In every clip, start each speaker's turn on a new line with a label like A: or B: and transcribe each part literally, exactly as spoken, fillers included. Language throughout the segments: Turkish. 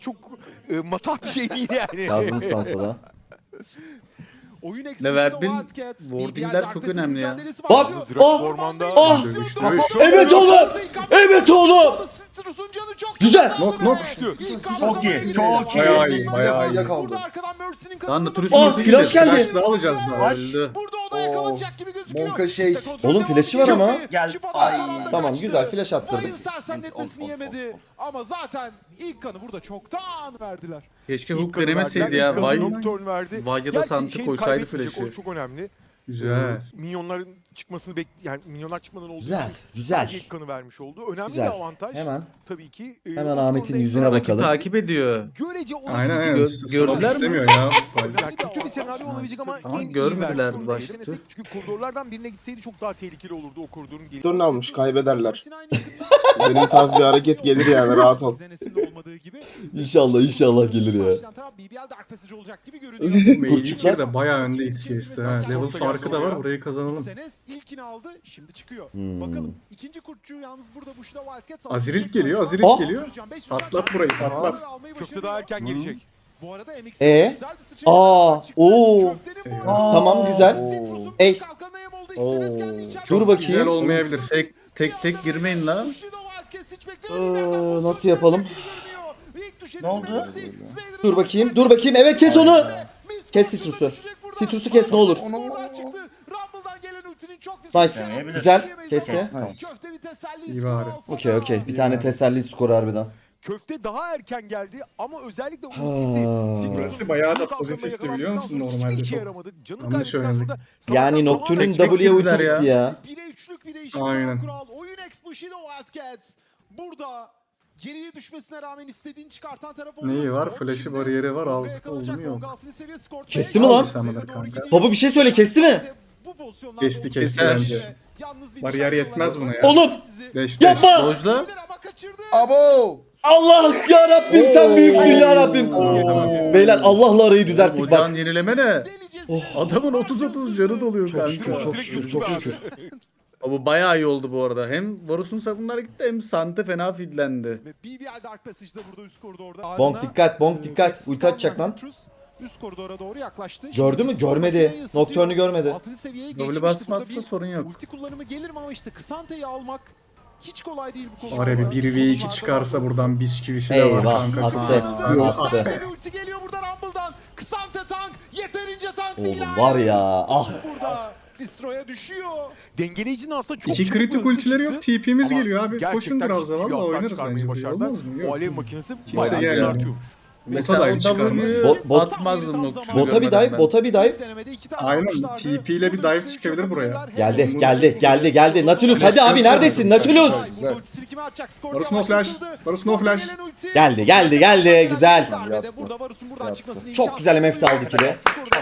A: çok e, matah bir şey değil yani.
B: Yazdınız sansa da.
C: Oyun
D: Leverbin wordingler çok önemli ya.
B: Bak! Oh! Oh! Evet oğlum! Evet oğlum! Güzel!
D: Nok nok.
E: Çok iyi, çok iyi.
D: Bayağı iyi, bayağı iyi.
E: Yakaldı.
D: Lan da turist
B: Oh, flash geldi.
D: Flash da alacağız daha.
E: Flash.
D: Öldü.
C: Burada o da yakalanacak gibi gözüküyor.
E: Monka şey.
B: Oğlum flash'ı var ama.
E: Gel.
C: Ay.
B: Tamam güzel flash attırdık.
C: Ryan sersemletmesini yemedi. Ama zaten ilk kanı burada çoktan verdiler.
D: Keşke
A: İlk
D: hook
A: kanı
D: denemeseydi
A: verdiler,
D: ya.
A: ilk kanı
D: Vay.
A: Nocturne verdi.
D: Vay ya da
A: Gerçi
D: Sant'ı
A: şeyi
D: koysaydı
A: kaybetmeyecek,
D: flash'ı.
A: O çok önemli.
D: Güzel.
A: Minyonların çıkmasını bek yani minyonlar çıkmadan olduğu
B: Güzel,
A: için
B: güzel.
A: sadece ilk kanı vermiş oldu. Önemli
B: Güzel.
A: bir avantaj.
B: Hemen.
A: Tabii ki. e,
B: Hemen
A: o
B: Ahmet'in
A: skorda
B: yüzüne
A: ekran-
D: Rakip
B: bakalım.
D: takip ediyor.
C: Görece
D: Aynen
C: olabilecek
D: aynen.
B: Gö- gördüler mi?
D: İstemiyor ya.
A: Yani kötü bir senaryo olabilecek ama
D: Ama
A: en iyi
D: görmediler
A: versiyonu
D: başta.
A: denesek. Çünkü koridorlardan birine gitseydi çok daha tehlikeli olurdu o koridorun gelişi.
F: Dön almış, kaybederler. Benim tarz bir hareket gelir yani, rahat ol.
B: İnşallah inşallah gelir ya.
C: B B L Dark Passage olacak gibi görünüyor.
B: Kurçuklar.
D: de bayağı öndeyiz C S'te ha. Level farkı da var. Burayı kazanalım.
C: Senes ilkini aldı, şimdi çıkıyor.
B: Hmm.
C: Bakalım ikinci kurtçu yalnız burada Bushido Wildcats aldı.
D: Azirik geliyor, Azirik
B: Oh!
D: geliyor. Patlat burayı, patlat.
A: Köfte daha erken gelecek.
C: Bu arada M X
B: Ee?
C: güzel bir sıçrayla
B: Aa,
C: çıktı.
B: oo.
C: Köftenin bu
E: Aa,
C: arada
B: tamam, güzel.
C: Citrus'un
B: Ey.
C: kalkanına yem oldu.
B: Oo.
C: Senes kendi içeride.
B: Dur bakayım.
D: Güzel olmayabilir. Tek tek tek girmeyin lan.
C: Bushido Wildcats hiç beklemediğinden
B: Ee,
C: pozisyon
B: nasıl yapalım?
C: gibi görünüyor. İlk düşeni
E: Ne oldu?
C: M X, Snyder'ın
B: Dur bakayım,
C: ortaya
B: dur bakayım. Evet kes onu.
C: Miss
B: Kes
C: Fortune'da
B: Citrus'u.
C: düşecek burada.
B: Citrus'u kes ne olur.
C: Skordan çıktı. Rumble'dan gelen ultinin çok güzel.
B: Nice.
E: Deneyebilir.
B: Güzel. Kesti.
C: Köfte bir teselli
D: İyi
C: skoru
D: bari.
C: alsa
B: Okey
C: da-
B: okey. Bir tane teselli skoru harbiden.
A: Köfte daha erken geldi ama özellikle
B: Ha.
A: ultisi.
D: Burası bayağı da
A: Citrus'un
D: pozitifti biliyor musun
A: kalkanına
D: normalde
A: hiçbir işe
D: çok.
A: yaramadı. Canı
D: Yanlış
A: kaybettikten
D: oynadık.
A: sonra
B: Yani
A: savaştan
B: Nocturne'un
D: Tek tek
B: W'ye ulti
D: girdiler ya.
B: gitti ya.
C: bire üçlük bir değişik
D: Aynen.
C: kural. Oyun X Bushido Wildcats. Burada geriye düşmesine rağmen istediğini çıkartan taraf oldu.
D: Neyi var?
C: Skor
D: Flash'ı
C: şimdi
D: bariyeri var.
C: Tolga
D: Alt
C: yakalanacak.
D: oldu mu yok.
C: Tolga altıncı seviye skor.
B: Kesti mi lan?
C: Doğru
D: Kanka.
C: gidiyor.
B: Baba bir şey söyle kesti mi?
C: Bu pozisyonlarda
D: Kesti,
C: olduğu
D: kesti
C: gibi
D: bence.
C: yalnız bir
D: Bariyer
C: nişancı
D: yetmez
C: olarak
D: buna ya.
B: Oğlum!
C: sizi-
D: Deş deş.
B: Yapma!
D: Dojla.
C: Ama kaçırdı.
E: Abo.
B: Allah ya Rabbim sen büyüksün ya Rabbim.
D: Oo.
B: Beyler Allah'la arayı düzelttik
D: Ocağın
B: bak.
D: yenileme ne?
C: Delicesine
D: Adamın otuz otuz canı doluyor
B: Çok şükür
D: kanka.
B: çok şükür çok şükür.
D: Bu bayağı iyi oldu bu arada. Hem Varus'un savunmaları gitti hem Sante fena fidlendi.
C: Ve B B L Dark Passage'da burada üst koridorda.
B: Bonk
C: Ardına,
B: dikkat bonk
C: e,
B: dikkat. Ulti atacak lan.
C: Citrus üst koridora doğru yaklaştı.
B: Gördü mü?
C: Şimdi
B: Görmedi.
C: makineyi ısıtıyor.
B: Nocturne'u görmedi.
C: Altıncı seviyeye
D: W
C: geçmişti. Burada
D: basmazsa
C: bir
D: sorun yok.
C: ulti kullanımı gelir mi ama işte Kısante'yi almak hiç kolay değil bu konuda.
D: Var ya bir bir ve iki çıkarsa buradan bisküvisi de var
B: Eyvah
D: kanka. Çok
B: attı
D: iyi.
B: attı.
C: Bir ulti geliyor burada Rumble'dan. Kısante tank yeterince tank
B: Oğlum
C: değil.
B: var ya ah.
C: Burada Destroy'a düşüyor.
A: Dengeleyicinin aslında çok
D: İki
A: çabuk
D: kritik
A: hızlı
D: ultileri
A: çıktı.
D: yok. T P'miz
A: Ama
D: geliyor abi.
A: gerçekten
D: Koşun biraz
A: ciddi
D: da
A: bir
D: valla
A: hasar
D: oynarız
A: çıkarmayı
D: bence.
A: başardılar.
D: Olmaz mı?
A: O
D: Yok.
A: alev makinesi
D: Kimse
A: bayağı
D: gelmiyor.
A: çıkartıyormuş.
D: Mesela Ota dive o çıkarmıyor. W'yu
B: Bot- bot-
D: atmazdım Nocturne'u
B: Bota bir
D: görmeden
B: dive
D: ben.
B: bota bir dive.
C: Denemede iki tane
D: Aynen,
C: almışlardı.
D: T P ile bir
C: Burada
D: dive
C: üçlü
D: çıkabilir
C: çok
D: buraya.
C: yapabilirler.
B: Geldi
C: Hem-
B: geldi geldi geldi. Nautilus hadi abi neredesin Nautilus?
C: Burada ultisini kime atacak? Skor
D: Varus no flash.
C: yavaşlatıldı.
D: Varus no
C: Burada
D: flash.
C: gelen ulti.
B: Geldi geldi geldi güzel.
C: Darbede burada Varus'un buradan
E: Yaptı.
C: çıkmasını
B: Çok güzel M F de aldı ikili.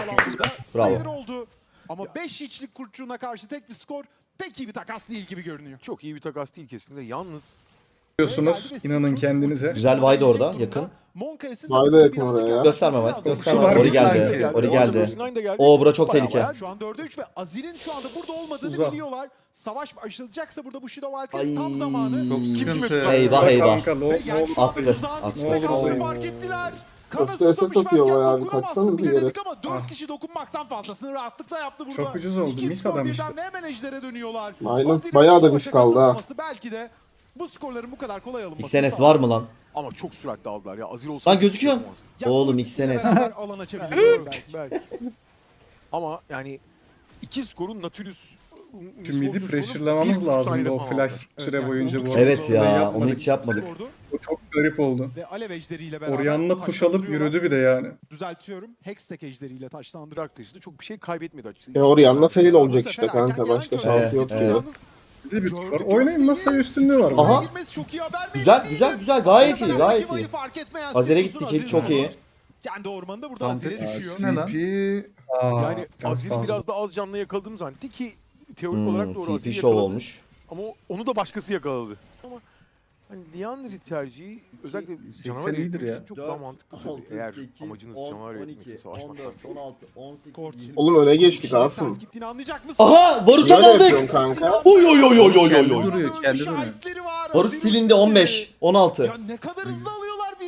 B: Bravo.
C: Bravo. Oldu. Ama beş içlik kurtçuğuna karşı tek bir skor pek iyi bir takas değil gibi görünüyor.
A: Çok iyi bir takas değil kesinlikle. Yalnız
D: Diyorsunuz. İnanın kendinize.
B: Güzel Vayda orada, yakın.
F: Vayda yakın oraya.
B: Gösterme bak, gösterme.
D: Şu var,
B: Ori
D: bir tane
B: geldi.
D: geldi.
B: Ori
A: Bu arada
B: geldi.
A: Bruce Nine de geldi.
B: Oo bura çok
A: Bayağı
B: tehlike.
A: bayağı
C: Şu an dörde üç ve Azir'in şu anda burada olmadığını
A: Uzak.
C: biliyorlar. Savaş başlayacaksa burada Bushido
B: Ay.
C: Wildcats tam zamanı.
D: Çok
C: Kim
D: sıkıntı.
C: kime-
B: Eyvah eyvah.
D: Kanka ne
C: Ve
D: olur
C: yani şu anda
B: Attı,
C: tuzağın
B: attı.
C: içine
D: Ne olur
C: kaldığını
D: atayım.
C: fark ettiler.
F: Çok
C: Kana
F: strese
C: susamış
F: satıyor
C: varken
F: bayağı bir,
C: dokunamazsın
F: kaçsanız
C: bile
F: bir yere.
C: dedik ama dört kişi dokunmaktan fazlasını rahatlıkla yaptı burada.
D: Çok ucuz oldu,
C: İki
D: mis
C: skor
D: adam
C: birden
D: işte.
C: ve hemen ejdere dönüyorlar.
F: Aynen,
C: Azir'in
F: bayağı
C: bu
F: da
C: savaşa
F: mis kaldı ha.
C: katılmaması belki de bu skorların bu kadar kolay alınması.
B: X N S var mı lan?
A: ama çok süratli aldılar ya. Azir olsa
B: Lan gözüküyor.
A: yapamaz.
B: Oğlum X N S.
C: Alan açabiliyor belki.
A: Belki. Ama yani iki skorun Nautilus
D: Şu midi pressure'lamamız lazımdı o flash süre boyunca bu arada.
B: Evet ya
D: Yapmadık.
B: onu hiç yapmadık.
D: O çok garip oldu.
C: Ve alev ejderiyle beraber
D: Orianna push alıp
C: taşlandırıyorlar.
D: yürüdü bir de yani.
C: Düzeltiyorum. Hextech ejderiyle taşlandırıyor.
A: Arkadaşı çok bir şey kaybetmedi açıkçası.
F: E Orianna fail
C: Bu
F: olacak
C: sefer
F: işte
C: erken
F: kanka.
C: gelen
F: Başka
C: köşe.
F: şansı
B: Evet,
F: yok
B: evet.
F: gibi.
C: Yalnız
D: Bir de bir tık var.
C: gördük
D: Oynayın
C: köfteyi.
D: masaya üstünlüğü var.
B: Aha.
D: Aha.
C: Girmesi çok iyi haber
B: Güzel
C: değil.
B: güzel güzel gayet iyi
C: Rakip
B: gayet
C: ayı
B: iyi.
C: fark etmeyen
B: Azer'e
C: Citrus'un
B: gittik
C: Azir'i
B: çok iyi.
C: kendi ormanında burada
B: Tamam,
C: Azir'e
B: peki.
C: düşüyor.
D: Ne lan?
E: T P
A: Yani Azir'i biraz da az canlı yakaladım zannetti ki teorik olarak doğru
B: Hmm, T P
A: Azir'i
B: show
A: yakaladı.
B: olmuş.
A: Ama onu da başkası yakaladı. Ama hani Liandry tercihi özellikle canavar
D: seksen iyidir
A: eritmek
D: ya.
A: için çok daha mantıklı tabii. Eğer amacınız canavar eritmekse savaşmaktan çok.
C: Skor.
F: Oğlum öne geçtik Asım.
C: Ters gittiğini anlayacak mısın?
B: Aha Varus'u
F: Böyle yapıyorsun
B: aldık.
F: kanka.
B: Oy oy oy oy oy oy
D: Kendi
B: oy.
D: duruyor, kendi duruyor.
C: Şahitleri var.
B: Varus
C: Azir'in
B: silindi on beş
C: ultisi.
B: on altı.
C: Ya ne kadar hızlı alıyorlar birbirlerini.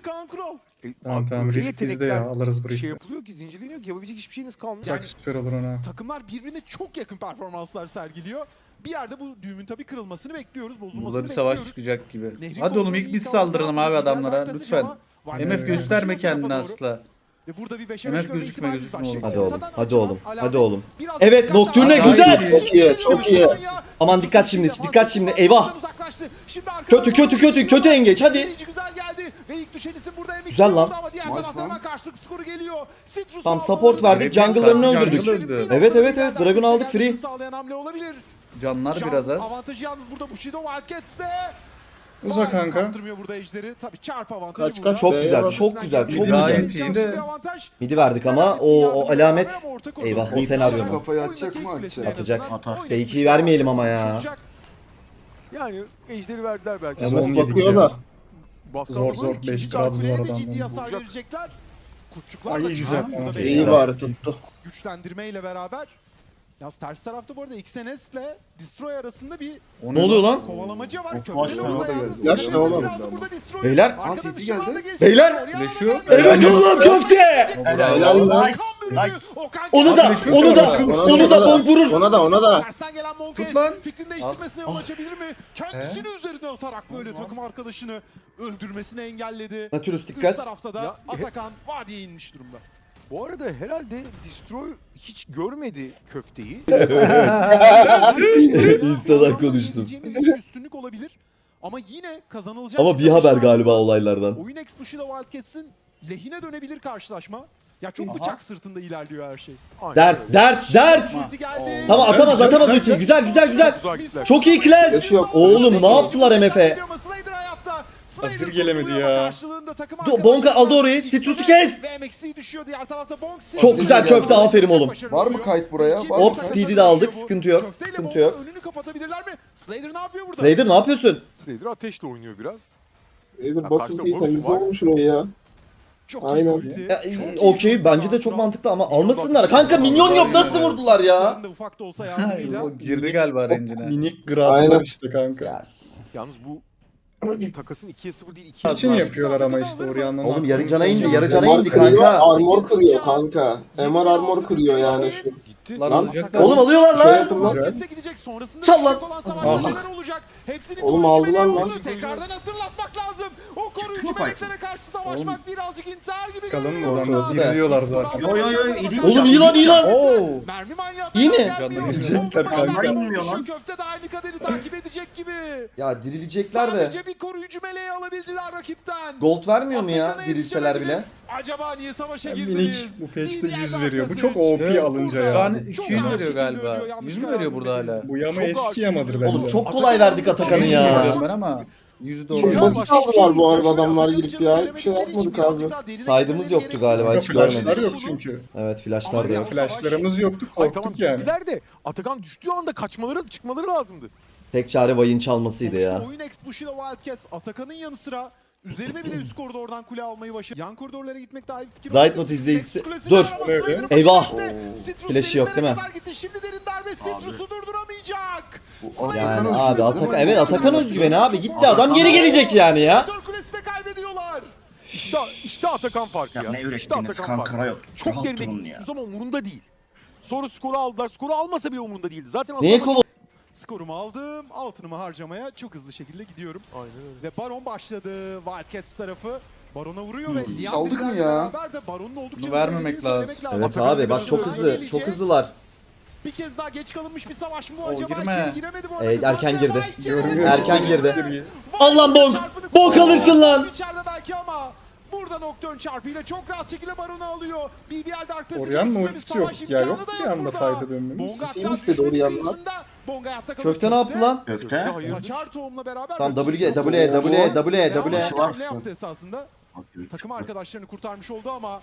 C: Kaan Kural.
A: E,
E: Tamam
A: abi
E: tamam
A: öyle
E: risk bizde
A: yetenekler
E: ya alırız bu
A: Şey
E: riski.
A: yapılıyor ki, zincirleniyor ki yapabilecek hiçbir şeyiniz kalmıyor.
E: Çok süper olur ona.
C: Takımlar birbirine çok yakın performanslar sergiliyor. Bir yerde bu düğümün tabii kırılmasını bekliyoruz, bozulmasını
D: Burada bir savaş
C: bekliyoruz.
D: çıkacak gibi.
C: Nehrin
D: Hadi oğlum ilk
C: kontrolünü
D: biz
C: iyi
D: saldıralım
C: sağlayan
D: abi
C: bir
D: adamlara
C: Wildcats
D: lütfen.
C: ama
D: M
C: Wildcats'ın
D: F gösterme
C: koşuyor
D: kendini
C: tarafa doğru.
D: asla.
C: Ve burada bir beşe
D: M F
C: beş görme
D: gözükme,
C: ihtimalimiz var.
D: gözükme
C: Şimdi
B: oğlum.
C: ortadan
B: Hadi
C: açılan
B: oğlum,
C: alamet.
B: hadi oğlum.
C: Biraz
B: Evet,
C: dikkat
B: Nocturne
C: daha-
B: güzel.
C: Daha
F: Çok iyi, çok iyi.
B: Aman dikkat şimdi, dikkat şimdi,
C: Uzaklaştı.
B: eyvah.
C: Şimdi arkadan
B: Kötü, kötü, kötü, kötü engeç, hadi.
C: Birinci güzel geldi ve ilk düşen isim burada M X
B: Güzel lan.
C: ama diğer
F: Nice
C: taraftan
F: lan.
C: hemen karşılık skoru geliyor. Citrus
B: Tam
C: aldı.
B: support verdik,
D: Evet,
B: jungle'larını
D: jungle
B: öldürdük.
D: öldü.
B: Evet, evet, evet, Dragon aldık, free.
C: Sağlayan hamle olabilir.
D: Canlar
C: Can
D: biraz az.
C: avantajı yalnız burada Bushido Wildcats'te.
E: Uza
C: Vay,
E: kanka.
C: kaptırmıyor burada ejderi. Tabii çarp avantajı
F: Kaç,
C: burada.
F: kaç,
B: Çok
F: B'ye
B: güzel,
F: bas.
B: çok güzel, çok
C: Biz
B: güzel.
D: gayet iyi de-
C: bir avantaj.
B: Midi verdik ama o, o alamet. Eyvah, o senaryo mu?
F: Kafayı atacak mı, atacak?
B: Atacak.
G: Atar.
B: Fake'i vermeyelim ama ya.
A: Yani ejderi verdiler belki.
E: Ya,
F: Smoke
E: on yedik
F: bakıyorlar.
A: Baskı
E: Zor,
A: aldılar,
E: zor,
A: ikinci
E: beş
A: çarpı
E: Trabzon
C: Kuleye de
E: oradan
C: ciddi
E: döndü.
C: hasar
A: Vuracak.
C: verecekler. Kurtçuklar
E: Ay,
C: da
E: güzel,
C: çıktı.
E: tamam.
C: Burada
E: İyi
C: beş
F: İyi
C: tane
F: bari tuttu.
C: güçlendirmeyle beraber. Yalnız ters tarafta bu arada X N S ile Destroy arasında bir
D: O
B: Ne oluyor lan?
C: kovalamacı var.
G: Of,
C: Köprü
G: flash
C: de
G: var,
C: orada
G: o da
C: yalnız.
F: geldi. Flash
C: Dikkat
F: ne
C: etmesi
F: oğlum?
C: lazım burada Destroy.
B: Beyler.
C: Arkada
F: Aa,
C: dışarıdan
F: geldi.
C: da gelecek.
B: Beyler.
C: Orianna
D: Flash'ı
C: da
D: yok.
C: geldi.
B: Evet oğlum, köfte.
F: Helal lan.
C: Okan bölümü. Okan
B: Onu da,
C: geldi.
B: onu da, onu da bonk vurur.
F: Ona da, ona da.
C: Tersten gelen Monkes
E: Tut lan.
C: fikrini değiştirmesine yol açabilir mi? Kendisini üzerine atarak böyle takım arkadaşını öldürmesini engelledi.
B: Nautilus
C: Üst
B: dikkat.
C: tarafta da
A: Ya,
C: Atakan vadiye inmiş durumda.
A: Bu arada herhalde Destroy hiç görmedi köfteyi.
B: Insta'dan konuştum.
C: Diyeceğimiz bir üstünlük olabilir. Ama yine kazanılacak
B: Ama bir
C: savaş
B: haber
C: var
B: galiba
C: burada.
B: olaylardan.
C: Oyun Explosion'da Wildcats'in lehine dönebilir karşılaşma. Ya çok
G: Aha.
C: bıçak sırtında ilerliyor her şey.
A: Aynen
B: Dert,
A: öyle.
B: dert, dert.
C: Ulti geldi.
B: Tamam, atamaz, atamaz ultiyi. Güzel, güzel, güzel.
A: Uzağa gittiler.
B: Çok iyi Clash.
F: Yaşı yok.
B: Oğlum ne yaptılar M F'e?
C: Slayer hayatta.
E: Hazır gelemedi ya.
C: Karşılığında takım
B: Do- Bonka aldı orayı, Citrus'u kes.
C: Ve M X C düşüyor diğer tarafta Bonk.
B: Çok güzel köfte, aferin oğlum.
F: Var mı kayıt buraya? Var mı
B: Hop,
F: kayıt?
B: speed'i de aldık, sıkıntı yok, sıkıntı yok.
C: Önünü kapatabilirler mi? Slayer ne yapıyor burada?
B: Slayer ne yapıyorsun?
A: Slayer ateşle oynuyor biraz.
F: Nedir
A: Ya,
F: basıntıyı
A: karşıda boss
F: temizle
A: var.
F: olmuş şurayı ya.
C: Çok
F: Aynen.
C: iyi ulti.
B: Ya,
C: Çok iyi
B: Okey,
C: ulti.
B: bence de çok mantıklı ama almasınlar. Kanka minyon yok, nasıl vurdular ya?
C: Bunların da ufak da olsa yardımıyla.
D: O girdi galiba rencine.
E: Minik
F: Aynen.
E: gratslar işte kanka.
B: Yes.
A: Yalnız bu takasın ikiye sıfır değil, ikiye
E: İçin
A: sıfır.
E: Şey yapıyorlar ama işte Orianna'nın.
B: Oğlum
E: hakkını
B: yarı cana indi,
E: kullanıyor.
B: yarı cana
F: Armor
B: indi
F: kırıyor,
B: kanka.
F: armor kırıyor kanka. M R armor kırıyor yani şu.
A: Gitti.
D: Lan
F: Lan,
D: alacaklar.
B: Oğlum alıyorlar
F: Şey
B: lan.
F: yapın lan.
C: Wildcats'e gidecek. Sonrasında
B: Çal lan.
C: düşecek olan savaş
E: Ah.
C: neler olacak? Hepsini
F: Oğlum
C: koruyucu
F: aldılar
C: meleğe
F: lan.
C: vurdu. Tekrardan hatırlatmak lazım. O koruyucu meleklere karşı savaşmak birazcık intihar gibi
E: Kalın
C: görünüyor
E: mı
C: burada.
E: oradan? Diriliyorlar
C: X
E: zaten.
C: Bravo.
G: Oy, oy, oy, iyi değil.
B: Oğlum iyi lan, iyi lan.
D: Oo.
C: Mermi manyağı
B: İyi mi?
C: gelmiyor.
E: Canları gidecekler
C: Bomba
E: kanka.
C: başlar,
G: İnmiyor lan.
C: Şu köfte de aynı kaderi takip edecek gibi.
B: Ya dirilecekler de.
C: Sadece bir koruyucu meleği alabildiler rakipten.
B: Gold vermiyor mu ya
C: Atakan'a
B: dirilseler bile?
C: yetişemediniz. Acaba niye savaşa
E: Ya
C: girdiniz?
E: minik bu peşte
C: Lider
E: yüz veriyor. Bu
C: markası.
E: çok O P
D: Evet,
E: alınca
D: Şu
E: ya.
D: an
C: Çok
D: iki yüz
C: ağır
D: veriyor
C: şekilde
D: galiba.
C: ölüyor, yanlış
D: yüz mü
C: karar
D: veriyor burada
C: verdim.
D: hala?
E: Bu yama
A: Çok
E: eski
A: ağır
E: yamadır
A: çıkıyor.
E: bence.
B: Oğlum çok kolay verdik Atakan'ı
D: yüz
B: ya.
D: veriyorum ben ama yüzü
F: Çok
D: doğru.
F: basit aldılar bu arada adamlar girip ya. Hiçbir şey yapmadık abi.
B: Saydığımız yoktu galiba,
E: Kanka
B: hiç
E: flashlar
B: görmedim.
E: yok çünkü.
B: Evet, flashlar da yok.
E: Flashlarımız yoktu,
A: Ay tamam
E: korktuk yani.
A: gittiler de Atakan düştüğü anda kaçmaları, çıkmaları lazımdı.
B: Tek çare Vay'ın çalmasıydı ya.
C: Sonuçta oyun Explosion'da Wildcats Atakan'ın yanı sıra üzerine bir de üst koridordan kule almayı başardı. Yan koridorlara gitmek daha iyi bir fikir.
B: Zayt
C: olabilir.
B: not izleyicisi-
C: Next kulesini
B: Dur.
C: arama Slayer'ın başına
B: Eyvah.
C: gitti. Citrus
B: Flash'ı yok değil mi?
C: kadar gitti. Şimdi derin darbe Citrus'u durduramayacak.
B: Yani abi Atakan, evet Atakan özgüveni abi, gitti adam geri gelecek yani ya.
C: Koridor kulesi de kaybediyorlar.
A: İşte, işte Atakan farkı ya.
G: Ya ne
A: işte
G: ürettiniz
A: Atakan farkı.
G: kankara yok.
A: Çok
G: Rahat
A: geride
G: durun
A: gidiyorsunuz ama umurunda değil. Sonra skoru aldılar. Skoru almasa bile umurunda değildi. Zaten
B: Neye
A: aslında-
B: kova...
C: Skorumu aldım. Altınımı harcamaya çok hızlı şekilde gidiyorum.
A: Aynen öyle.
C: Ve Baron başladı. Wildcats tarafı Baron'a vuruyor ve Liam
F: Saldık mı
C: Diller'le
F: ya?
C: beraber de Baron'un oldukça
D: Bunu
C: hızlı
D: vermemek
C: ilerlediğini
D: lazım.
C: söylemek lazım.
B: Evet
C: Atakan'ın
B: abi bak
C: bir
B: çok
C: başarı
B: hızlı,
C: gelecek.
B: çok hızlılar.
C: Bir kez daha geç kalınmış bir savaş mı
D: Oo,
C: acaba?
D: girme.
C: İçeri giremedi bu arada.
B: Evet, erken
C: Sadece
B: girdi.
C: Vay içeri
E: Görünüyor.
C: girdi.
B: Erken
C: Vay
B: girdi.
C: Vay
B: Al lan bonk!
C: çarpını
B: Bonk
C: kullandı.
B: alırsın lan!
C: İçeride belki ama burada Nocturne çarpıyla çok rahat şekilde Baron'u alıyor. B B L Dark Passage
E: Orianna
C: ekstra bir
E: ultisi yok
C: savaş
E: ya,
C: imkanı
E: yok
C: da
E: bir anda
C: burada.
E: fayda dönmemiz.
C: Bonga
F: Team
C: hatta
F: istedi
C: düşmenin
F: Orianna'dan.
C: kıyısında. Bonga hayatta kalıyor.
B: Köfte ne yaptı lan?
G: Köfte.
A: Hayır.
C: Saçar tohumla beraber
B: Tamam
C: rakip
B: W,
C: yok.
B: W, W, W, W.
G: Yaşı var.
C: Ne yaptı esasında?
G: Bakıyor,
C: Takım
G: çıktı.
C: arkadaşlarını kurtarmış oldu ama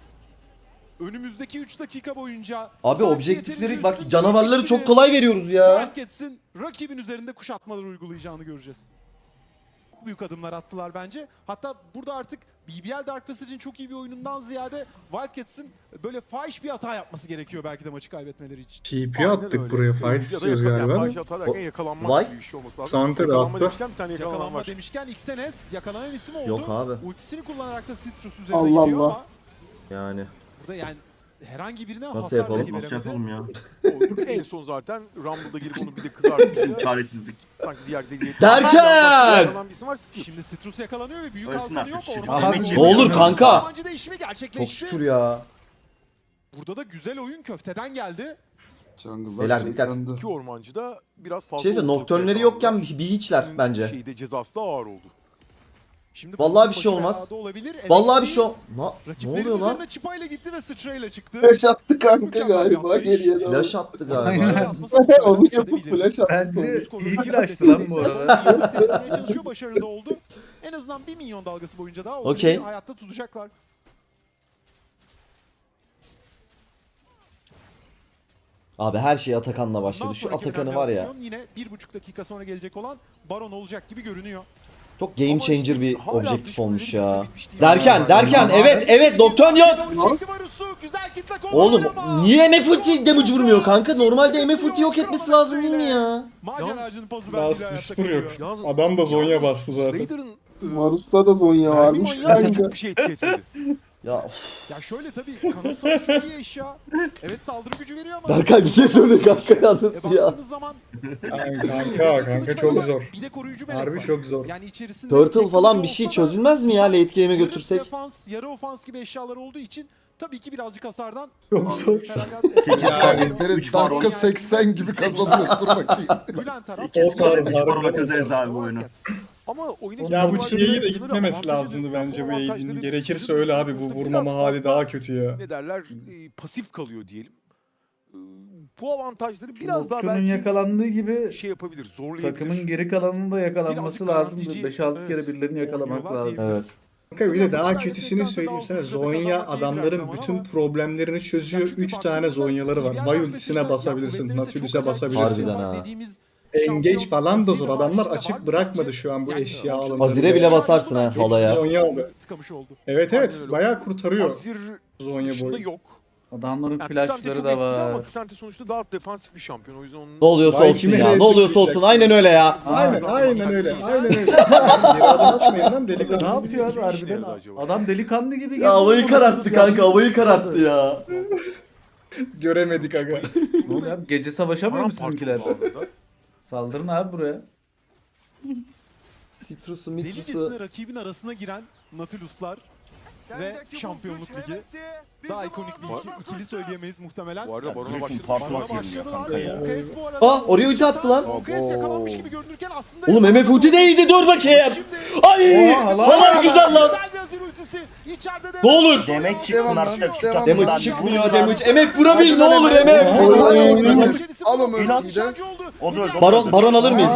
C: önümüzdeki üç dakika boyunca
B: Abi
C: sanki
B: objektifleri
C: yeterince
B: bak
C: üstün
B: canavarları
C: değilmiş
B: çok
C: gibi
B: kolay veriyoruz ya.
C: Wildcats'in rakibin üzerinde kuşatmalar uygulayacağını göreceğiz. çok büyük adımlar attılar bence. Hatta burada artık B B L Dark Passage'in çok iyi bir oyunundan ziyade Wildcats'ın böyle fahiş bir hata yapması gerekiyor belki de maçı kaybetmeleri için.
E: T P
A: Aynen
E: attık
A: öyle.
E: buraya.
A: Ee,
E: Fight
A: ya da
E: istiyoruz
A: yakala-
E: galiba.
A: yani
E: ama.
A: fahiş hata derken yakalanmak
B: Vay.
A: gibi bir şey olması lazım.
E: Sante de
A: Yakalanma
E: attı.
A: demişken bir tane yakalanan
C: Yakalanma
A: var.
C: demişken Xenes yakalanan isim oldu.
B: Yok abi.
C: Ultisini kullanarak da Citrus üzerine
F: Allah
C: gidiyor
F: Allah.
C: ama
B: Yani.
C: burada yani herhangi birine
B: Nasıl
C: hasar
B: yapalım?
C: dahi
G: Nasıl
C: veremedi.
G: yapalım ya?
A: O en son zaten Rumble'da girip onu bir de kızartınca
G: Çaresizlik.
A: sanki diğer deliğe...
B: Derken!
A: Yakalan bir isim var. Citrus.
C: Şimdi Citrus yakalanıyor ve büyük
G: Ölsün
C: halkanı yok.
G: artık şirket.
C: Orman
G: Demek
B: Ne olur kanka.
C: Ormancı değişimi
B: Çok
C: gerçekleşti.
B: şükür ya.
C: Burada da güzel oyun köfteden geldi.
F: Jungle'lar
B: Beyler dikkat.
F: yandı.
A: İki ormancı da biraz fazla...
B: Şey söyleyeyim,
A: ortalıkta
B: Nocturne'leri
A: yakalandılar.
B: yokken bir, bir hiçler
A: Sizin
B: bence.
A: Şeyde cezası da ağır oldu.
C: Şimdi
B: Vallahi bir şey
C: başı
B: olmaz.
C: belada Olabilir.
B: Vallahi
C: N
B: bir
C: X T
B: şey ol... Na- Ne
C: rakiplerinin
B: oluyor lan?
C: üzerine çıpayla gitti ve sıçrayla çıktı.
F: Flash attı kanka
C: Mükemmel bir
F: galiba
C: atlayış.
F: geriye doğru.
B: Flash attı galiba.
C: Aynen.
F: Onu yapıp flash attı.
D: Bence iyi flash'tı lan bu arada.
C: Temsilmeye çalışıyor, başarılı da oldu. En azından bir milyon dalgası boyunca daha o
B: Okey.
C: oyunu hayatta tutacaklar.
B: Abi her şey Atakan'la
C: Bundan
B: başladı. Şu
C: sonraki
B: Atakan'ı
C: önemli
B: var ya.
C: aksiyon yine bir buçuk dakika sonra gelecek olan Baron olacak gibi görünüyor.
B: Çok game
A: Ama
B: changer
A: işte
B: bir
A: hala
B: objektif
A: dış
B: olmuş
A: kulübün
B: ya.
A: bitmiş değil.
B: Derken derken evet evet Nocturne yok.
C: Çekti Varus'u, güzel kitle
B: Oğlum
C: kovalıyor ama-
B: niye M F ulti damage vurmuyor kanka? Normalde M F ulti yok etmesi lazım değil mi ya?
C: Maceracının pozu verdiğiyle
E: Last
C: hayatta
E: Whisper yok.
C: kalıyor.
A: Yalnız-
E: Adam da Zonya
A: Yalnız
E: bastı zaten.
A: Raider'ın e,
F: Marus'ta da Zonya
A: mermi
F: varmış
A: manyağı
F: kanka.
A: çok bir şey etki etmedi.
B: Ya of.
C: Ya şöyle tabii Kanos'ta çok iyi eşya. Evet saldırı gücü veriyor ama...
B: Berkay bir şey söyle kanka
C: E,
B: yalnız ya.
C: baktığınız zaman
E: Ay, kanka kanka çok zor.
C: bir de koruyucu melek
E: Harbi
C: var.
E: çok zor.
C: Yani içerisinde
B: Turtle
C: tek
B: falan
C: kılıcı
B: bir şey
C: olsa da
B: çözülmez mi ya late game'e
C: yarı
B: götürsek?
C: defans, yarı ofans gibi eşyalar olduğu için tabii ki birazcık hasardan
E: Çok zor.
G: sekiz
C: Feragat-
G: tane, üç baron.
F: Dakika seksen gibi kazanıyoruz dur bakayım.
C: Gülen taraf.
E: O tarz
G: üç
E: harbi.
G: barona kazanırız abi bu oyunu.
A: Ama oyuna
E: Ya bu
A: girdiği
E: Çiğ'ye de
A: avantajları,
E: gitmemesi
A: avantajları,
E: lazımdı bence bu
A: avantajları
E: Aid'in.
A: bizim
E: Gerekirse öyle abi bu
A: üstümüzde
E: vurmama
A: biraz
E: hali
A: fazla,
E: daha kötü ya.
A: ne derler e, pasif kalıyor diyelim. E, Bu avantajları biraz daha
D: Nocturne'un
A: belki
D: yakalandığı gibi
A: şey yapabilir, zorlayabilir.
D: takımın geri kalanının da yakalanması
C: Birazcık
D: lazım.
C: garantici,
D: beş altı
C: evet,
D: kere birilerini yakalamak
C: oynuyorlar
D: lazım.
C: diyebiliriz.
B: Evet.
E: Kanka bir de daha
C: Maçı
E: kötüsünü
C: kaybettikten
E: söyleyeyim
C: sonra
E: sana.
C: daha uzun
E: Zonya
C: kazanmak iyi bir
E: adamların
C: zaman
E: bütün
C: ama-
E: problemlerini çözüyor.
C: Ya çünkü
E: üç tane
C: baktığımızda
E: Zonyaları var.
C: B B L
E: Vay
C: Dark
E: ultisine
C: Passage'den
E: basabilirsin.
C: ya kuvvetlerinize
E: Nautilus'a
C: çok acayip bir
E: basabilirsin.
B: Harbiden ha.
C: dediğimiz
E: Engage
C: şampiyon
E: falan da zor.
C: Azir'le
E: Adamlar
C: var.
E: açık
C: Var mı
E: bırakmadı
C: sence?
E: şu an bu
C: Yani
E: eşya
C: Azir'e
E: alımlarını.
B: Azir'e bile basarsın ha
C: Hepsi
B: halaya.
E: Zonya aldı.
C: tıkamış oldu.
E: Evet
A: Aynen
E: evet
A: öyle.
E: bayağı kurtarıyor
A: Azir
E: Zonya
A: dışında
E: boyu.
A: yok.
D: Adamların
A: Yani Kısante
D: flashları
A: çok
D: da
A: etkili ama
D: var.
A: Kısante sonuçta daha defansif bir şampiyon. O yüzden onun...
B: Ne oluyorsa
E: Vay,
B: olsun
E: kime
B: ya.
E: ne
B: Ne oluyorsa olsun.
E: etkileyecek?
B: Aynen öyle ya.
E: Aynen
A: Aa,
E: aynen öyle.
A: zaten-
E: Aynen öyle. Geri adım atmayın lan
D: Ne
E: delikanlı.
D: yapıyor abi
A: işe
D: harbiden?
A: yaradı acaba?
D: Adam delikanlı gibi geziyor.
B: Ya havayı
D: ama
B: kararttı
D: yalnız
B: kanka.
D: ya.
B: Havayı kararttı ya.
E: Göremedik aga.
D: Ne oluyor abi? Gece savaşamıyor mu
A: Paramparça
D: sizinkiler?
A: oldu bu arada.
D: Saldırın abi buraya.
B: Citrus'u mitrusu.
C: Delicesine rakibin arasına giren Nautilus'lar ve Şampiyonluk Ligi. Daha ikonik bir iki, ikili söyleyemeyiz muhtemelen.
A: Bu arada Baron'a
G: Griffin
A: başladı.
G: Parsons
A: Baron'a
G: geliyor
A: başladılar.
G: kanka ya.
C: Ukes bu arada
B: Ah, oraya ulti attı lan.
C: Ukes yakalanmış
F: Abo.
C: gibi görünürken aslında...
B: Oğlum M F ulti değildi dur bakayım.
C: Şimdi...
B: Ay! Halay güzel lan.
C: Güzel bir Azir ultisi. İçeride de...
B: Ne olur.
G: Demek çıksın artık şu
F: Devam.
G: takımdan.
B: Damage çıkmıyor damage. M F vurabil ne olur M F.
F: Al o Mercy'yi de.
G: O da öldü.
B: Baron baron alır mıyız?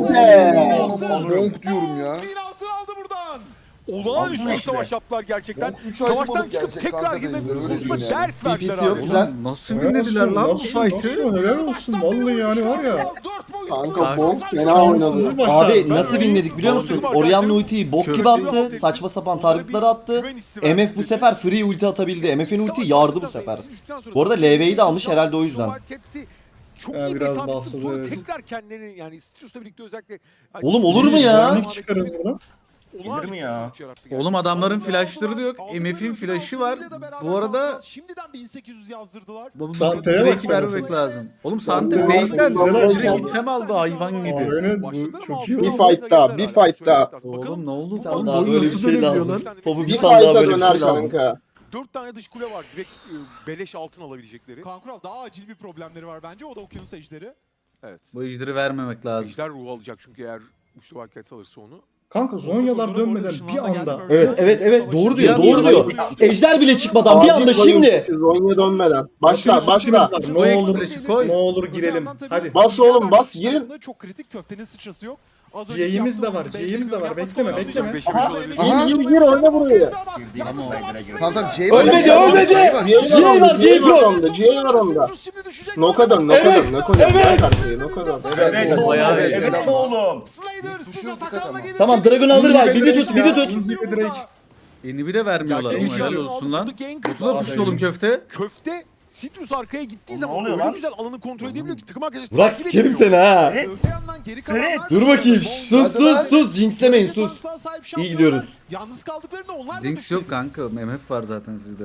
F: Donk diyorum ya.
C: Bir altın aldı buradan.
A: Olağanüstü bir
G: işte.
A: savaş yaptılar gerçekten.
F: üç ay
A: Savaştan
F: balık
A: çıkıp
F: gerçek
A: tekrar
F: kanka
A: girmek
F: da izle, öyle
A: konusunda
F: diyeyim yani.
A: ders verdiler
B: B P C yok
A: abi.
B: güzel.
D: Nasıl
E: Helal
D: winlediler
E: olsun,
D: lan bu
E: nasıl,
D: fight'ı?
E: nasıl, helal olsun, vallahi yani var ya.
F: Kanka Bonk fena oynadı.
E: Şanssız başlar.
B: Abi nasıl winledik biliyor musun? Orianna ultiyi bok gibi attı. Saçma sapan targetları attı. M F bu sefer free ulti atabildi. M F'in ulti yardı bu sefer. Bu arada L V'yi de almış herhalde o yüzden.
A: Çok
E: Ha,
A: iyi bir
E: biraz
A: isabetli
E: buffladı,
A: sonra
E: evet.
A: tekrar kendilerini yani Citrus'la birlikte özellikle
B: Oğlum olur mu ya?
E: Zorluk çıkarız buradan.
G: Gelir mi ya?
D: Oğlum adamların flashları da yok. M F'in flash'ı var. Bu arada
C: şimdiden bin sekiz yüz yazdırdılar.
D: bu
E: Sante'ye
D: direkt
E: bak
D: vermemek lazım. Oğlum Sante
E: Sante'ye
D: base'den
E: bak.
D: direkt item aldı hayvan gibi.
E: Aynen bu çok iyi
F: Bir
E: oldu.
F: fight daha, bir fight daha.
D: Oğlum ne oldu?
B: Tamam,
D: Oğlum
B: daha
D: oyun
B: böyle bir
D: nasıl
B: şey
D: dönebiliyor
B: lazım.
D: lan?
B: Fobu bir
F: Bir
B: tane daha
F: fight'a
B: böyle bir
F: döner
B: şey lazım.
F: kanka.
A: Dört tane dış kule var direkt e, beleş altın alabilecekleri.
C: Kankural daha acil bir problemleri var bence. O da okyanus ejderi.
A: Evet.
D: Bu ejderi vermemek lazım.
A: Ejder ruhu alacak çünkü eğer uçlu Wildcats alırsa onu.
E: Kanka Zonyalar dönmeden bir anda.
B: Evet evet evet doğru diyor
D: Bir
B: doğru
D: anda-
B: diyor. Ejder bile çıkmadan bir anda
F: Acil
B: şimdi.
F: oyun, Zonya dönmeden. Başla
E: Nautilus'un
F: başla.
E: ultimiz var. Ne olur
D: Flash'ı koy.
E: ne olur girelim. Hadi.
F: Bas oğlum, bas, girin.
C: Çok kritik köftenin sıçrası yok. Az önceki
E: C'imiz de
C: yaptığı
E: var,
C: oyunu
E: C'imiz de var.
C: beklemiyorum.
E: Bekleme,
C: Yapması
E: bekleme.
C: kolay
A: Aha.
C: olmayacak.
F: Aha.
C: Gir,
F: Gir, gir, oyna buraya.
C: Yalnız kalan
H: Tamam tamam C'ye
B: Ölmedi, ölmedi.
F: C'ye var,
B: C'ye var, C'ye
F: var
B: var.
F: onda, C'ye var onda.
C: Citrus şimdi düşecek.
F: Nokadan,
B: Evet,
F: nokadan, nokadan.
B: evet.
F: Bırak arkayı, nokadan.
G: Evet oğlum.
D: Bayağı iyi.
G: Evet oğlum.
C: Slayer size takanla gelecek.
B: Tamam, Dragon alırlar. Midi tut, midi tut.
E: İnhibi direkt.
D: Yeni bir de vermiyorlar.
A: Gerçek
D: Oğlum helal
A: inşallah
D: olsun lan.
A: Gank
D: Botu da puştu oğlum köfte.
A: Köfte Citrus arkaya gittiği
G: Oğlum,
A: zaman
G: ne oluyor
A: öyle
G: lan?
A: güzel alanı kontrol edebiliyor ki takım arkadaşı
B: Burak
A: takip
B: sikerim
A: edemiyor.
B: seni ha.
G: Evet.
C: Öte yandan geri kalanlar-
G: Evet.
B: Dur bakayım. Sus sus sus. Jinxlemeyin sus. İyi gidiyoruz.
C: Yalnız kaldıklarında onlar da
D: Jinx yok kanka. M F var zaten sizde.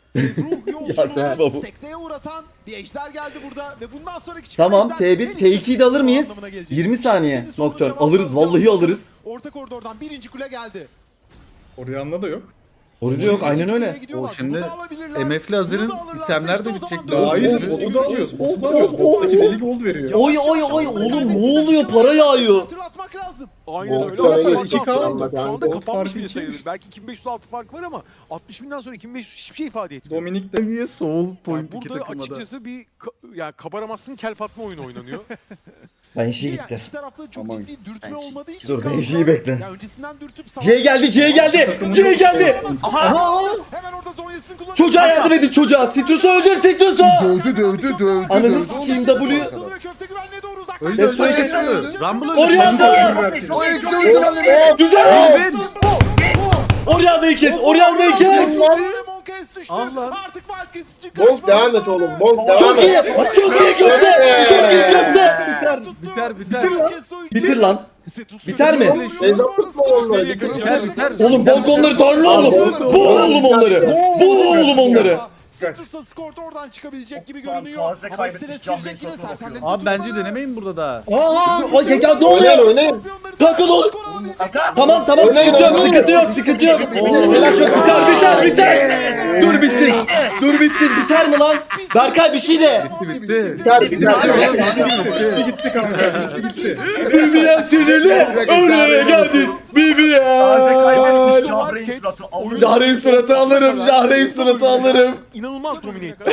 C: ruh
B: Ya sen
C: yolculuğu
B: babu.
C: sekteye uğratan bir ejder geldi burada ve bundan sonraki çıkan
B: Tamam
C: ejder
B: T bir,
C: her
B: T
C: iki
B: ikiyi de alır mıyız?
C: anlamına gelecek.
B: yirmi saniye.
C: İkisinin sorunu
B: Nocturne.
C: cevabı
B: Alırız, vallahi
C: alacağız.
B: alırız.
C: Orta koridordan birinci kule geldi.
E: Orianna da yok.
B: Orada yok, aynen
C: İkinci kuleye
B: öyle.
C: gidiyorlar.
D: O şimdi
C: Bunu da alabilirler.
D: M F'li Hazır'ın
C: Bunu da alırlarsa
D: itemler
C: işte
D: de
C: o
D: bitecek.
C: zaman
D: Daha
E: Hayır,
C: dördüncü
E: botu
C: kuleye
E: da alıyoruz.
C: gideceğiz.
E: Botu da alıyoruz. Bottaki deli gold veriyor.
B: Oy oy oy oğlum ne oluyor? Para yağıyor.
C: Hatırlatmak lazım.
A: Aynen
F: Gold
A: öyle.
F: sana
A: Hatta
F: geçti.
E: iki K
A: şu
F: oldu.
A: anda
F: Gold
A: kapanmış
E: farkı
A: bile
E: iki
A: sayılır.
E: yüz.
A: Belki iki bin beş yüz altı fark var ama altmış binden sonra iki bin beş yüz hiçbir şey ifade etmiyor.
E: Dominik de
D: Niye soul
A: Yani
D: point iki
A: burada
D: takıma da?
A: açıkçası bir ka- yani kabaramazsın kel fatma oyunu oynanıyor.
B: Ben şey
C: İyi
B: gitti.
C: yani, iki tarafta çok
H: Aman.
C: ciddi dürtme olmadığı için.
B: Dur,
C: kaldılar.
B: Benji'yi bekle.
C: Ya öncesinden dürtüp
B: C geldi, C geldi. C geldi.
C: Hemen orada Zonya'sını kullanıyor.
B: Çocuğa yardım edin çocuğa. Citrus'u öldür Citrus'u.
H: Dövdü dövdü dövdü.
B: Ananı
H: dövdü.
B: sikeyim W.
C: Ve köfte güvenliğe doğru uzaklaştı.
D: Destroy
B: Destroy
D: kesti.
H: öldü.
D: Rumble öldü.
B: Orianna.
H: O eksi öldü.
B: Güzel. Orianna'yı kes. Orianna'yı kes.
D: Allah.
C: Artık Wildcats için
F: Bonk devam et oğlum, bonk devam
B: Çok iyi.
F: et.
B: Çok iyi köfte. Çok iyi köfte.
D: Biter biter.
B: Bitir lan. Biter mi?
F: Mezat tutma onları.
D: Biter biter.
B: Oğlum bonk onları darla oğlum. Bu oğlum onları. Bu oğlum onları.
C: Citrus'ta skor da oradan çıkabilecek gibi
G: Şu an
C: görünüyor.
G: taze
C: Ama
G: kaybetmiş
C: Excel'e
G: Can
C: girecek yine
G: Bey satın
C: sersemlerini
D: Abi bence
C: tutmadan.
D: denemeyin burada da.
B: Aa, ay ya ne
F: Oynayın,
B: oluyor?
F: oynayın.
B: Kanka ne oluyor?
G: Kanka.
B: Tamam tamam sıkıntı yok sıkıntı yok sıkıntı yok. Telaş yok biter biter biter. Dur bitsin. Dur bitsin biter mi lan? Berkay bir şey de.
D: Bitti bitti.
F: Biter, biter.
E: gitti kanka. Gitti.
B: Bibiyen sinirli. Oraya geldin.
G: Taze kaybetmiş
B: Bibiyen.
G: Cahre'in suratı. Alırım.
B: Jahre'in suratı alırım. Jahre'in suratı alırım.
A: İnanılmaz domine etti.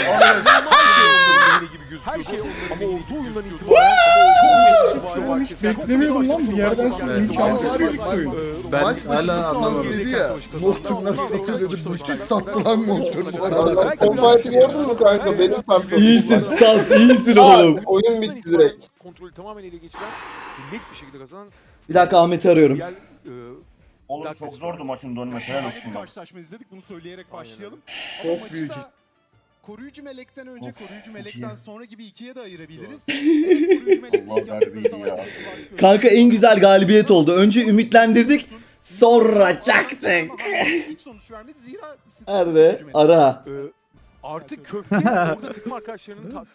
A: Her şey onların olduğu oyundan itibaren çok
E: Ben hiç beklemiyordum lan bu yerden sonra
D: Evet.
E: imkansız gözüktü oyun.
D: Ben
H: Maç başı
D: hala
H: bir
D: anlamadım.
H: stans dedi ya. Nocturne'lar satıyor dedi. Müthiş sattı lan Nocturne bu arada.
F: Konfayeti gördün mü kanka? Benim tarzım.
B: İyisin Stas iyisin oğlum.
F: Oyun bitti direkt.
A: Kontrolü tamamen ele geçiren net bir şekilde kazanan
B: Bir dakika Ahmet'i arıyorum.
A: diğer e,
G: Oğlum çok zordu maçın dönmesi. Helal
C: Harika
G: olsun
C: bir
G: bak.
C: karşılaşma izledik. Bunu söyleyerek başlayalım.
E: Çok
C: Ama maçı
E: büyük.
C: da koruyucu melekten önce,
G: Of,
C: koruyucu
G: çok
C: melekten
G: iyi.
C: sonra gibi ikiye de ayırabiliriz. Evet, koruyucu melek
G: Allah
C: ilk yaptıkları
G: verdiği
C: savaşta
G: ya.
C: yaptılar.
B: Kanka en güzel galibiyet oldu. Önce ümitlendirdik. Sonra çaktık.
C: Hiç sonuç vermedi. Zira
B: Nerede? Ara.
A: e, artık köfte orada takım arkadaşlarının ta-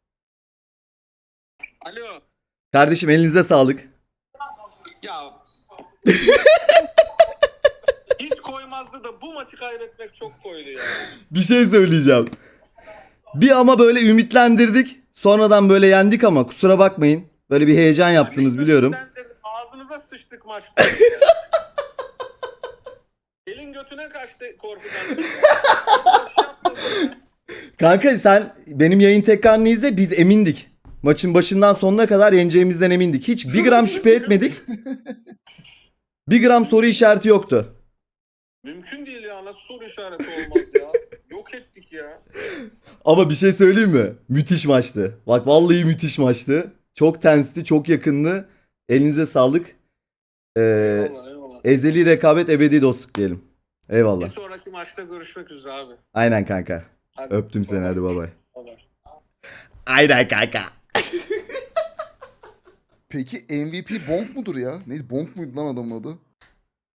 I: Alo.
B: Kardeşim elinize sağlık.
I: Ya. Hiç koymazdı da bu maçı kaybetmek çok koydu ya.
B: Bir şey söyleyeceğim. Bir ama böyle ümitlendirdik. Sonradan böyle yendik ama kusura bakmayın. Böyle bir heyecan yaptınız biliyorum.
I: Ağzınıza sıçtık maçta. Elin götüne kaçtı korkudan.
B: Kanka sen benim yayın tekrarını izle, biz emindik. Maçın başından sonuna kadar yeneceğimizden emindik. Hiç bir gram şüphe etmedik. Bir gram soru işareti yoktu.
I: Mümkün değil ya. Nasıl soru işareti olmaz ya. Yok ettik ya.
B: Ama bir şey söyleyeyim mi? Müthiş maçtı. Bak vallahi müthiş maçtı. Çok tensti, çok yakındı. Elinize sağlık. Ee,
I: Eyvallah eyvallah.
B: ezeli rekabet, ebedi dostluk diyelim.
I: Bir
B: Eyvallah.
I: sonraki maçta görüşmek üzere abi.
B: Aynen kanka.
I: Hadi.
B: Öptüm seni, hadi bay bay.
I: Bye.
B: Aynen kanka.
H: Peki M V P Bonk mudur ya? Neydi? Bonk muydu lan adamın adı?